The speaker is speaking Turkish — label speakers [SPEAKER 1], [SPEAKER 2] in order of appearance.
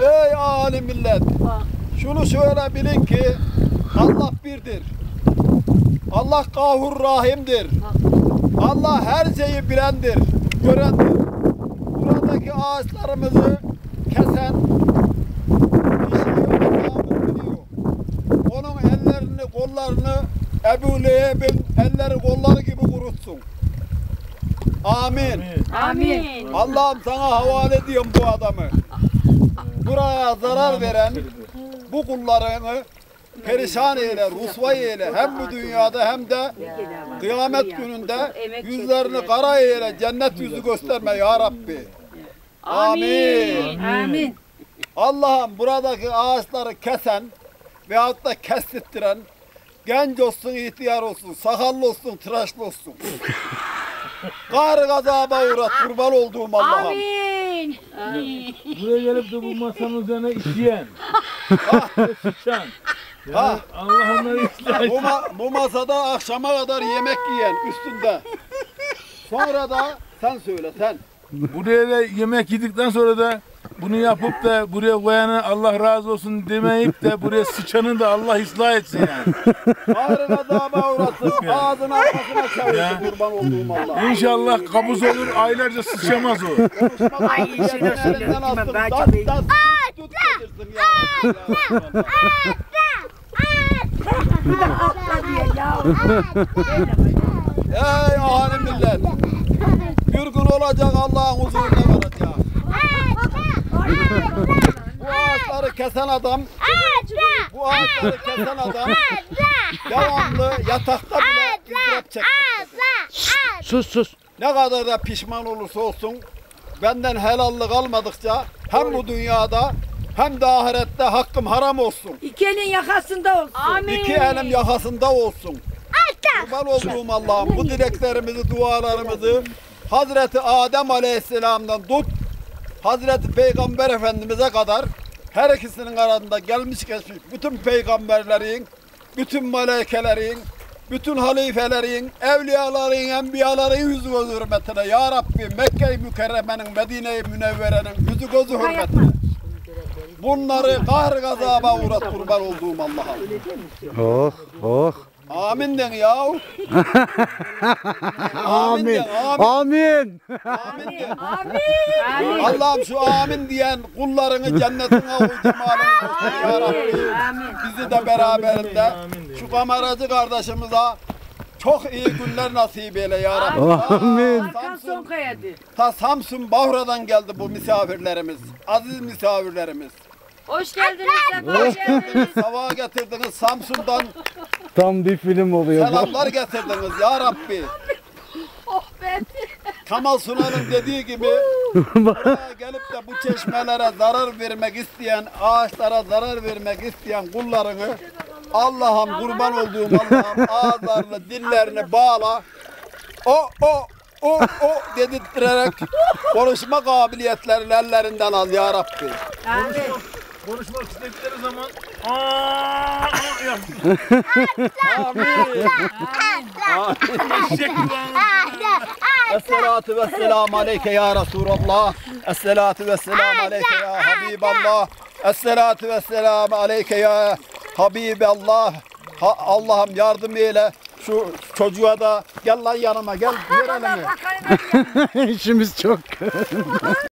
[SPEAKER 1] Ey alim millet! Şunu şöyle bilin ki Allah birdir. Allah Gafur Rahim'dir. Allah her şeyi bilendir, görendir. Buradaki ağaçlarımızı kesen kişiyi Allah'ımız biliyor. Onun ellerini, kollarını Ebu Leheb'in elleri kolları gibi kurutsun. Amin.
[SPEAKER 2] Amin.
[SPEAKER 1] Allah'ım sana havale ediyorum bu adamı. Buraya zarar veren bu kullarını perişan eyle, rusvay eyle. Hem bu dünyada hem de kıyamet gününde yüzlerini kara eyle, cennet yüzü gösterme ya Rabbi. Amin.
[SPEAKER 2] Amin.
[SPEAKER 1] Allah'ım buradaki ağaçları kesen veyahut da kestirttiren genç olsun, ihtiyar olsun, sakallı olsun, tıraşlı olsun. Kar gazaba uğrat, kurban olduğum Allah'ım.
[SPEAKER 2] Amin.
[SPEAKER 3] Buraya gelip de bu masanın üzerine işleyen, sıçan.
[SPEAKER 1] Ha.
[SPEAKER 3] Allah onları ıslah.
[SPEAKER 1] Bu masada akşama kadar yemek yiyen üstünde. Sonra da sen söyle sen.
[SPEAKER 3] Buraya da yemek yedikten sonra da bunu yapıp da buraya koyanı Allah razı olsun demeyip de buraya sıçanı da Allah ıslah etsin yani.
[SPEAKER 1] Kar gazaba uğratsın, ağzını arkasına çevirsin kurban olduğum Allah.
[SPEAKER 3] İnşallah kabuz olur, aylarca sıçamaz o.
[SPEAKER 2] Ay şunu söyle. Ben çok iyi.
[SPEAKER 1] Tut getirsin ya.
[SPEAKER 2] Bir de atla diye ya.
[SPEAKER 1] Ey alim millet. Bir gün olacak Allah'ın huzuruna varacak. Bu ağaçları kesen adam, bu ağaçları kesen adam devamlı yatakta bile ızdırap çekmektedir.
[SPEAKER 4] Sus.
[SPEAKER 1] Ne kadar da pişman olursa olsun benden helallik almadıkça hem bu dünyada hem de ahirette hakkım haram olsun.
[SPEAKER 2] İki elin yakasında olsun. Amin.
[SPEAKER 1] İki elim yakasında olsun. Kurban olduğum Allah'ım bu dileklerimizi, dualarımızı Hazreti Adem Aleyhisselam'dan tut Hazreti Peygamber Efendimiz'e kadar her ikisinin arasında gelmiş geçmiş bütün peygamberlerin, bütün melekelerin, bütün halifelerin, evliyaların, enbiyaların yüzü gözü hürmetine Ya Rabbi Mekke-i Mükerreme'nin, Medine-i Münevvere'nin yüzü gözü hürmetine bunları kahr gazaba uğrat kurban olduğum Allah'a.
[SPEAKER 4] Oh.
[SPEAKER 1] Amin den ya.
[SPEAKER 4] Amin.
[SPEAKER 1] Den,
[SPEAKER 4] Amin.
[SPEAKER 1] Amin den.
[SPEAKER 2] Amin.
[SPEAKER 1] Allah'ım şu amin diyen kullarını cennetine ul cemalına göster ya Rabbi. Bizi de beraberinde şu kameracı kardeşimize çok iyi günler nasip eyle ya Rabbi.
[SPEAKER 4] Amin.
[SPEAKER 2] Arkan son kayadı.
[SPEAKER 1] Ta Samsun Bahra'dan geldi bu misafirlerimiz. Aziz misafirlerimiz.
[SPEAKER 2] Hoş geldiniz. Hoş geldiniz.
[SPEAKER 1] Sabah getirdiniz Samsun'dan
[SPEAKER 4] Tam bir film oluyor bu.
[SPEAKER 1] selamlar getirdiniz ya Rabbi.
[SPEAKER 2] Oh be.
[SPEAKER 1] Kemal Sunal'ın dediği gibi buraya gelip de bu çeşmelere zarar vermek isteyen, ağaçlara zarar vermek isteyen kullarını Allah'ım kurban olduğum Allah'ım ağızlarını, dillerini bağla. O dedirterek konuşma kabiliyetlerini ellerinden al ya Rabbi.
[SPEAKER 2] Amin.
[SPEAKER 3] Konuşmak istedikleri zaman
[SPEAKER 1] Amin. Esselatu vesselamu aleyke ya Resulallah. Esselatu vesselamu aleyke ya Habiballah. Esselatu vesselamu aleyke ya Habiballah. Allah'ım yardım eyle. Şu çocuğa da gel lan yanıma gel. Ver elini.
[SPEAKER 4] İşimiz çok.